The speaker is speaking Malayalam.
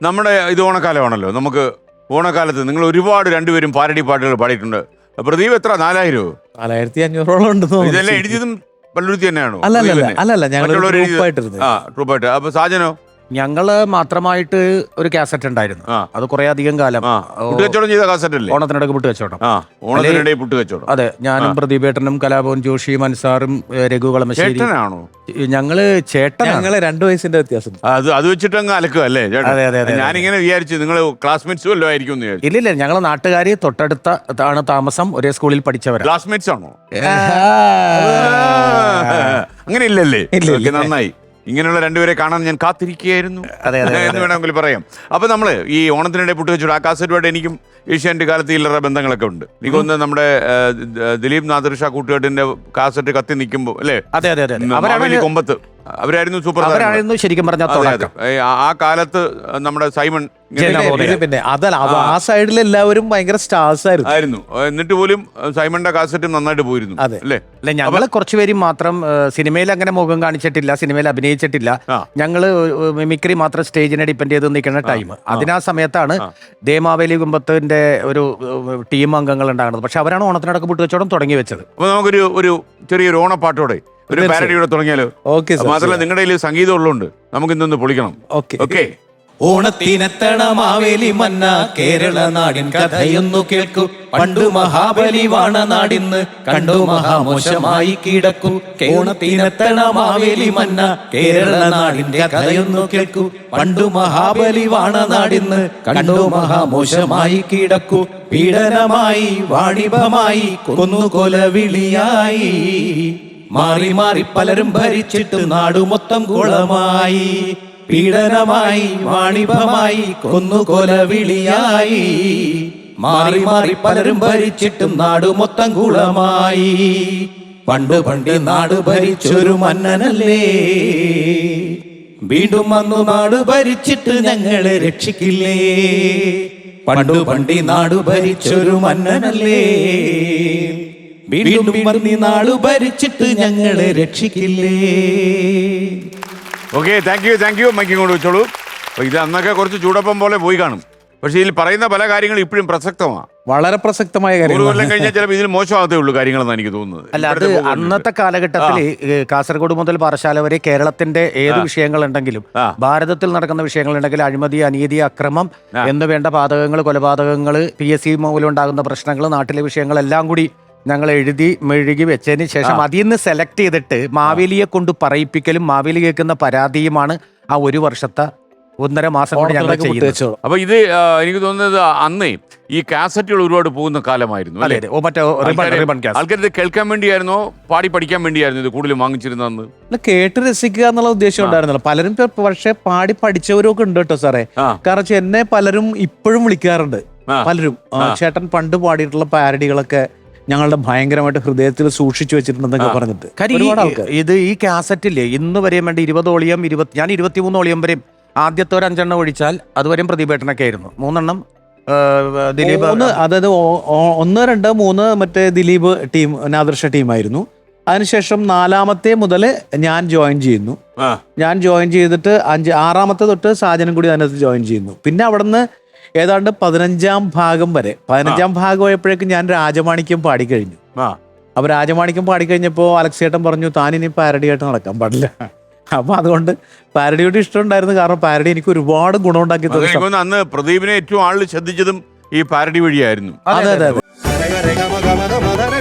നമ്മുടെ ഇത് ഓണക്കാലമാണല്ലോ. നമുക്ക് ഓണക്കാലത്ത് നിങ്ങൾ ഒരുപാട് രണ്ടുപേരും പാരഡി പാട്ടുകൾ പാടിയിട്ടുണ്ട്. പ്രദീപ് എത്ര 4000 4500 ഉണ്ടെന്ന് ഇതെല്ലാം എഴുതിയതും പള്ളുരുത്തി തന്നെയാണോ? അല്ലല്ല ഞങ്ങൾ ട്രൂപ്പായിട്ട്. അപ്പൊ സാജനോ? ഞങ്ങള് മാത്രമായിട്ട് ഒരു കാസറ്റ് ഉണ്ടായിരുന്നു. അത് കുറെ അധികം കാലം പുട്ടുകച്ചവടം ചെയ്ത കാസറ്റ് അല്ലേ? ഓണത്തിനിടയ്ക്ക് പുട്ടുകച്ചവടം. ഓണത്തിനിടെ പുട്ടുകച്ചവടം. അതെ, ഞാനും പ്രദീപേട്ടനും കലാഭവൻ ജോഷിയും അൻസാറും രഘു കളമശ്ശേരി. ചേട്ടനാണോ? ഞങ്ങള് ഞങ്ങള് 2 വയസ്സിന്റെ വ്യത്യാസം. അത് വെച്ചിട്ട് അങ്ങ് അലക്കുക അല്ലേ? അതെ. ഞാനിങ്ങനെ വിചാരിച്ചു നിങ്ങൾ ക്ലാസ്മേറ്റ്സ് വല്ലതും ആയിരിക്കും എന്ന് വിചാരിച്ചു. ഇല്ലില്ല, ഞങ്ങള് നാട്ടുകാരി തൊട്ടടുത്താണ് താമസം, ഒരേ സ്കൂളിൽ പഠിച്ചവരാ. ക്ലാസ്മേറ്റ്സ് ആണോ? അങ്ങനെ ഇല്ലല്ലേ? നന്നായി. ഇങ്ങനെയുള്ള രണ്ടുപേരെ കാണാൻ ഞാൻ കാത്തിരിക്കുകയായിരുന്നു എന്ന് വേണമെങ്കിൽ പറയാം. അപ്പൊ നമ്മള് ഈ ഓണത്തിനിടെ പുട്ടുകച്ചവടം ആ കാസറ്റുമായിട്ട് എനിക്കും ഏഷ്യാനെറ്റ് കാലത്ത് ഇല്ലറ ബന്ധങ്ങളൊക്കെ ഉണ്ട്. എനിക്കൊന്ന് നമ്മുടെ ദിലീപ് നാദിർഷാ കൂട്ടുകെട്ടിന്റെ കാസറ്റ് കത്തി നിൽക്കുമ്പോ അല്ലേ? അതെ. കൊമ്പത്ത് അവരായിരുന്നു സൂപ്പർ. അവരായിരുന്നു ശരിക്കും പറഞ്ഞ ആ കാലത്ത് നമ്മുടെ സൈമൺ. പിന്നെ അതല്ല, ആ സൈഡിൽ എല്ലാവരും ഭയങ്കര സ്റ്റാർസ് ആയിരുന്നു. എന്നിട്ട് പോലും സൈമണിന്റെ കാസറ്റും നന്നായിട്ട് പോയിരുന്നു അല്ലേ? അല്ല, ഞങ്ങള് കുറച്ചുപേരും മാത്രം സിനിമയിൽ അങ്ങനെ മുഖം കാണിച്ചിട്ടില്ല, സിനിമയിൽ അഭിനയിച്ചിട്ടില്ല. ഞങ്ങള് മിമിക്രി മാത്രം സ്റ്റേജിനെ ഡിപ്പെൻഡ് ചെയ്ത് നിൽക്കുന്ന ടൈം. അതിനാ സമയത്താണ് ദേമാവേലി കുമ്പത്തിന്റെ ഒരു ടീം അംഗങ്ങൾ ഉണ്ടാകുന്നത്. പക്ഷെ അവരാണ് ഓണത്തിനടക്ക് പുട്ടുകച്ചവടം തുടങ്ങി വെച്ചത്. അപ്പൊ നമുക്കൊരു ചെറിയൊരു ഓണപ്പാട്ടോടെ ഒരു പാരഡിയോടെ തുടങ്ങിയാലോ? മാത്രമല്ല നിങ്ങളുടെ കയ്യിൽ സംഗീതം ഉള്ളതുകൊണ്ട് നമുക്ക് ഇന്നൊന്ന് പൊളിക്കണം. ഓക്കെ. ഓണത്തിനെത്തണ മാവേലി മന്ന കേരള നാടിൻ കഥയൊന്നു കേൾക്കൂ. പണ്ടു മഹാബലി വാണ നാടിന്ന് കണ്ടു മഹാമോശമായി കിടക്കൂ. ഓണത്തിനെത്തണ മാവേലി മന്ന കേരള നാടിന്റെ കഥയൊന്നു കേൾക്കൂ. പണ്ടു മഹാബലി വാണ നാടിന്ന് കണ്ടു മഹാമോശമായി കിടക്കൂ. പീഡനമായി വാണിഭമായി കൊന്നുകൊലവിളിയായി മാറി മാറി പലരും ഭരിച്ചിട്ട് നാടു മൊത്തം കുളമായി. പീഡനമായി വാണിഭമായി കൊന്നുകൊലവിളിയായി മാറി മാറി പലരും ഭരിച്ചിട്ടും നാടു മൊത്തം കുളമായി. പണ്ട് നാട് ഭരിച്ചൊരു മന്നനല്ലേ, വീണ്ടും വന്നു നാട് ഭരിച്ചിട്ട് ഞങ്ങളെ രക്ഷിക്കില്ലേ. പണ്ട് നാട് ഭരിച്ചൊരു മന്നനല്ലേ, വീണ്ടും വന്നി നാട് ഭരിച്ചിട്ട് ഞങ്ങളെ രക്ഷിക്കില്ലേ. Okay, thank you. മൈക്ക് കൊണ്ട് വെച്ചോളൂ. ഇത് അന്നൊക്കെ കുറച്ച് ചൂടപ്പം പോലെ പോയി കാണും. പക്ഷെ ഇതിൽ പറയുന്ന പല കാര്യങ്ങളും ഇപ്പോഴും പ്രസക്തമാണ്. വളരെ പ്രസക്തമായ കാര്യം. കൊല്ലം കഴിഞ്ഞാൽ ചിലപ്പോൾ ഇതിൽ മോശമാകത്തേ ഉള്ളൂ കാര്യങ്ങളെന്ന് എനിക്ക് തോന്നുന്നത്. അല്ല, അത് അന്നത്തെ കാലഘട്ടത്തിൽ കാസർഗോഡ് മുതൽ പാറശാല വരെ കേരളത്തിന്റെ ഏത് വിഷയങ്ങളുണ്ടെങ്കിലും ഭാരതത്തിൽ നടക്കുന്ന വിഷയങ്ങളുണ്ടെങ്കിൽ അഴിമതി, അനീതി, അക്രമം എന്ന് വേണ്ട പാതകങ്ങൾ, കൊലപാതകങ്ങൾ, PSC മൂലം ഉണ്ടാകുന്ന പ്രശ്നങ്ങൾ, നാട്ടിലെ വിഷയങ്ങളെല്ലാം കൂടി ഞങ്ങൾ എഴുതി മെഴുകി വെച്ചതിന് ശേഷം അതിൽ നിന്ന് സെലക്ട് ചെയ്തിട്ട് മാവേലിയെ കൊണ്ട് പറയിപ്പിക്കലും മാവേലി കേൾക്കുന്ന പരാതിയുമാണ് ആ ഒരു വർഷത്തെ 1.5 മാസം കൊണ്ട് ഞങ്ങൾ ചെയ്യുന്നത്. അപ്പൊ ഇത് എനിക്ക് തോന്നുന്നത് അന്നേ ഈ കാസറ്റുകൾ ഒരുപാട് പോകുന്ന കാലമായിരുന്നു. ആൾക്കാർ കേൾക്കാൻ വേണ്ടിയായിരുന്നോ പാടി പഠിക്കാൻ വേണ്ടിയായിരുന്നു ഇത് കൂടുതലും വാങ്ങിച്ചിരുന്നതെന്ന്? കേട്ട് രസിക്കുക എന്നുള്ള ഉദ്ദേശം ഉണ്ടായിരുന്നല്ലോ. പലരും പക്ഷെ പാടി പഠിച്ചവരൊക്കെ ഉണ്ട് കേട്ടോ സാറേ. കാരണം എന്നെ പലരും ഇപ്പോഴും വിളിക്കാറുണ്ട്. പലരും ചേട്ടൻ പണ്ട് പാടിയിട്ടുള്ള പാരഡികളൊക്കെ ഞങ്ങളുടെ ഭയങ്കരമായിട്ട് ഹൃദയത്തിൽ സൂക്ഷിച്ചു വെച്ചിട്ടുണ്ടെന്നൊക്കെ പറഞ്ഞിട്ട് ഇത് ഈ കാസറ്റില്ലേ ഇന്ന് വരെയും വേണ്ടി 20 ഓളിയം, ഞാൻ 23 ഓളിയം വരെയും ആദ്യത്തെ ഒരു 5 എണ്ണം ഒഴിച്ചാൽ അതുവരെയും പ്രതിഭേട്ടനൊക്കെ ആയിരുന്നു. 3 എണ്ണം ദിലീപ്, അതായത് 1, 2, 3 മറ്റേ ദിലീപ് ടീം, നാദിർഷ ടീമായിരുന്നു. അതിനുശേഷം 4-മത്തെ മുതൽ ഞാൻ ജോയിൻ ചെയ്യുന്നു. ഞാൻ ജോയിൻ ചെയ്തിട്ട് 6-മത്തെ തൊട്ട് സാജനം കൂടി അതിനകത്ത് ജോയിൻ ചെയ്യുന്നു. പിന്നെ അവിടുന്ന് ഏതാണ്ട് 15-ാം ഭാഗം വരെ 15-ാം ഭാഗം ആയപ്പോഴേക്കും ഞാൻ രാജമാണിക്യം പാടിക്കഴിഞ്ഞു. അപ്പൊ രാജമാണിക്യം പാടിക്കഴിഞ്ഞപ്പോ അലക്സേട്ടൻ പറഞ്ഞു താൻ ഇനി പാരഡിയായിട്ട് നടക്കാൻ പാടില്ല. അപ്പൊ അതുകൊണ്ട് പാരഡിയോട് ഇഷ്ടമുണ്ടായിരുന്നു. കാരണം പാരഡി എനിക്ക് ഒരുപാട് ഗുണമുണ്ടാക്കി തന്നു. അന്ന് പ്രദീപിനെ ഏറ്റവും ആളിൽ ശ്രദ്ധിച്ചതും ഈ പാരഡി വഴിയായിരുന്നു. അതെ.